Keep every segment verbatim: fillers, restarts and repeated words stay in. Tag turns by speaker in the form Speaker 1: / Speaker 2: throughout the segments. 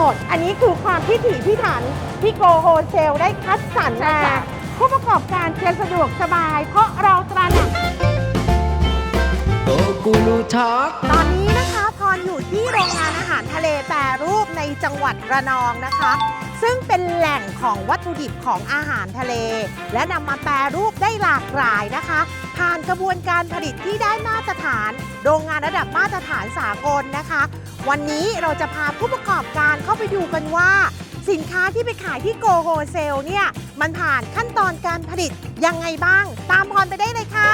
Speaker 1: ดอันนี้คือความพิถีพิถันที่โกโฮเซลได้คัดสรรมาผู้ประกอบการจะสะดวกสบายเพราะเราตระหนัก
Speaker 2: โกกูรูทอล์ก
Speaker 1: ตอนนี้นะคะพรอยู่ที่โรงงานอาหารทะเลแปรรูปในจังหวัดระนองนะคะซึ่งเป็นแหล่งของวัตถุดิบของอาหารทะเลและนำมาแปรรูปได้หลากหลายนะคะผ่านกระบวนการผลิตที่ได้มาตรฐานโรงงานระดับมาตรฐานสากลนะคะวันนี้เราจะพาผู้ประกอบการเข้าไปดูกันว่าสินค้าที่ไปขายที่โกโฮเซลเนี่ยมันผ่านขั้นตอนการผลิตยังไงบ้างตามพรไปได้เลยค่ะ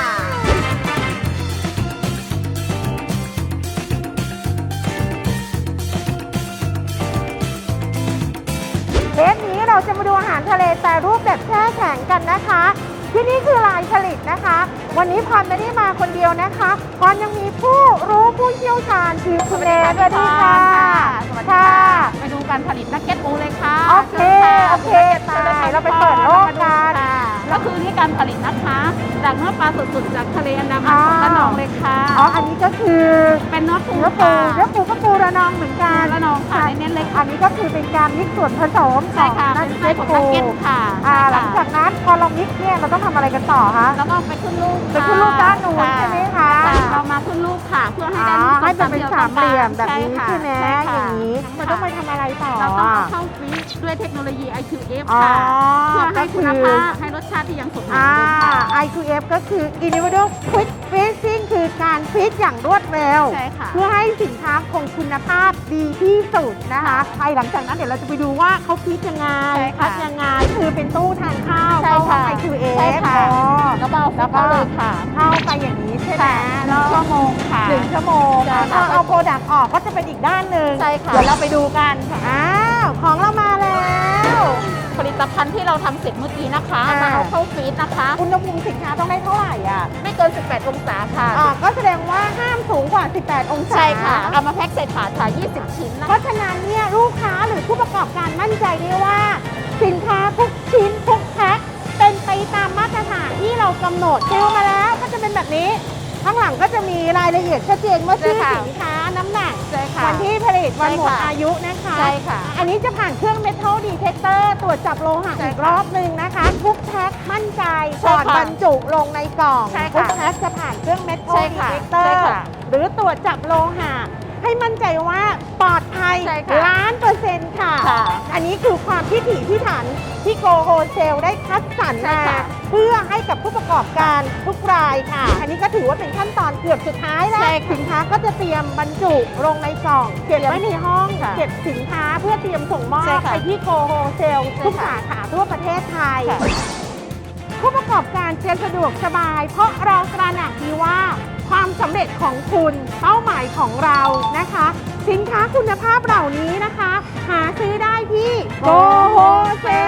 Speaker 1: เทปนี้เราจะมาดูอาหารทะเลแปรรูปแบบแช่แข็งกันนะคะที่นี่คือลายผลิตนะคะวันนี้พรไม่ได้มาคนเดียวนะคะพรยังมีผู้รู้ผู้เชี่ยวชาญคือคุณเอสวัสดีค่ะ
Speaker 3: สวัสดีค่ะไปดูการผลิตนักเก็ตปูเลยค่ะ
Speaker 1: โอเคโอเคตายเราไปเปิดโลกกัน
Speaker 3: ก็คือนี่การผลิตนะคะจากเนื้อปลาสดๆจากทะเลอันดามันของระนองเลยค่ะ
Speaker 1: อ๋ออันนี้ก็คือ
Speaker 3: เป็นเนื้อปู
Speaker 1: เนื้อปูเนื้อปูก็ปูระนองเหมือนกัน
Speaker 3: ระนองค่ะเน้นๆเลย
Speaker 1: อันนี้ก็คือเป็นการมิกซ์ส่วนผสม
Speaker 3: ใช่ค่ะเป็นไส้ของนักเก็ตค่ะ
Speaker 1: หลังจากนั้นพอเรามิกซ์เนี่ยเราต้องทำอะไรกันต่อคะ
Speaker 3: แล้วก็ไปขึ้นลูก
Speaker 1: ไปขึ้นลูกด้านนู้นใช่ไหมคะ
Speaker 3: เรามาขึ้นลูกค่ะเพื่อให้ได้
Speaker 1: ให้เป็นสามเหลี่ยมแบบนี้ใช่ไหมอย่างนี้มันต้องไปทำอะไรต่อ
Speaker 3: เราต้องเอาเข้าฟรีซด้วยเทคโนโลยี ไอ คิว เอฟ ค่ะเพื่อให้คุณภาพให้รสชาติที่ยังสมบูรณ์ค่ะ
Speaker 1: ไอ คิว เอฟ ก็คือ Individual Quick Freezing คือการฟรีซอย่างรวดเร็วเพื่อให้สินค้าคงคุณภาพดีที่สุดนะคะภายหลังจากนั้นเดี๋ยวเราจะไปดูว่าเขาฟรีซยังไงคัดยังไงคือเป็นตู้ทานข้าวเข้าห้อง ไอ คิว เอฟ
Speaker 3: แล้วก็แล้วก็เลยค่ะ
Speaker 1: เข้าไปอย่างนี้ใช่ไหม
Speaker 3: แล้วชั่วโมงค่ะ
Speaker 1: หนึ่งชั่วโมงพอเอาโปรดักต์ออกก็จะเป็นอีกด้านหนึ่ง
Speaker 3: ใช่ค่ะ
Speaker 1: เดี๋ยวเราไปดูกันอ้าวของเรามาแล้ว
Speaker 3: ผลิตภัณฑ์ที่เราทำเสร็จเมื่อกี้นะคะมาเอาเข้าฟรีซนะคะ
Speaker 1: อุณหภูมิสินค้าต้องได้เท่าไหร่อ่ะ
Speaker 3: ไม่เกินสิบแปดองศาค่ะ
Speaker 1: อ่าก็แสดงว่าห้ามสูงกว่าสิบแปดองศา
Speaker 3: ใช่ค่ะเอามาแพ็คใส่ถาดค่ะยี่สิบชิ้นนะ
Speaker 1: เพราะฉะนั้นเนี่ยลูกค้าหรือผู้ประกอบการมั่นใจได้ว่าสินค้าทุกชิ้นทุกแพ็คเป็นไปตามมาตรฐานที่เรากำหนดซิลมาแล้วก็จะเป็นแบบนี้ข้างหลังก็จะมีรายละเอียดชัดเจนว่าชื่อสินค้าน้ำหนักวันที่ผลิตวันหมดอายุนะคะ
Speaker 3: ใช่ค่ะ
Speaker 1: อันนี้จะผ่านเครื่อง Metal Detector ตรวจจับโลหะอีกรอบหนึ่งนะคะทุกแพ็คมั่นใจก่อนบรรจุลงในกล่องทุกแพ็คจะผ่านเครื่อง Metal Detector หรือตรวจจับโลหะให้มั่นใจว่าปลอดภัยล้านเปอร์เซ็นต์ค่ะอันนี้คือความพิถีพิถันที่โกโฮเซลได้คัดสรรมาเพื่อให้กับผู้ประกอบการทุกรายค่ะอันนี้ก็ถือว่าเป็นขั้นตอนเกือบสุดท้ายแล้วสินค้าก็จะเตรียมบรรจุลงในกล่องเก็บไว้ในห้องเก็บสินค้าเพื่อเตรียมส่งมอบไปที่โกโฮเซลทุกสาขาทั่วประเทศไทยผู้ประกอบการจะสะดวกสบายเพราะเราตระหนักดีว่าความสำเร็จของคุณเป้าหมายของเรานะคะสินค้าคุณภาพเหล่านี้นะคะหาซื้อได้ที่โกโฮเซล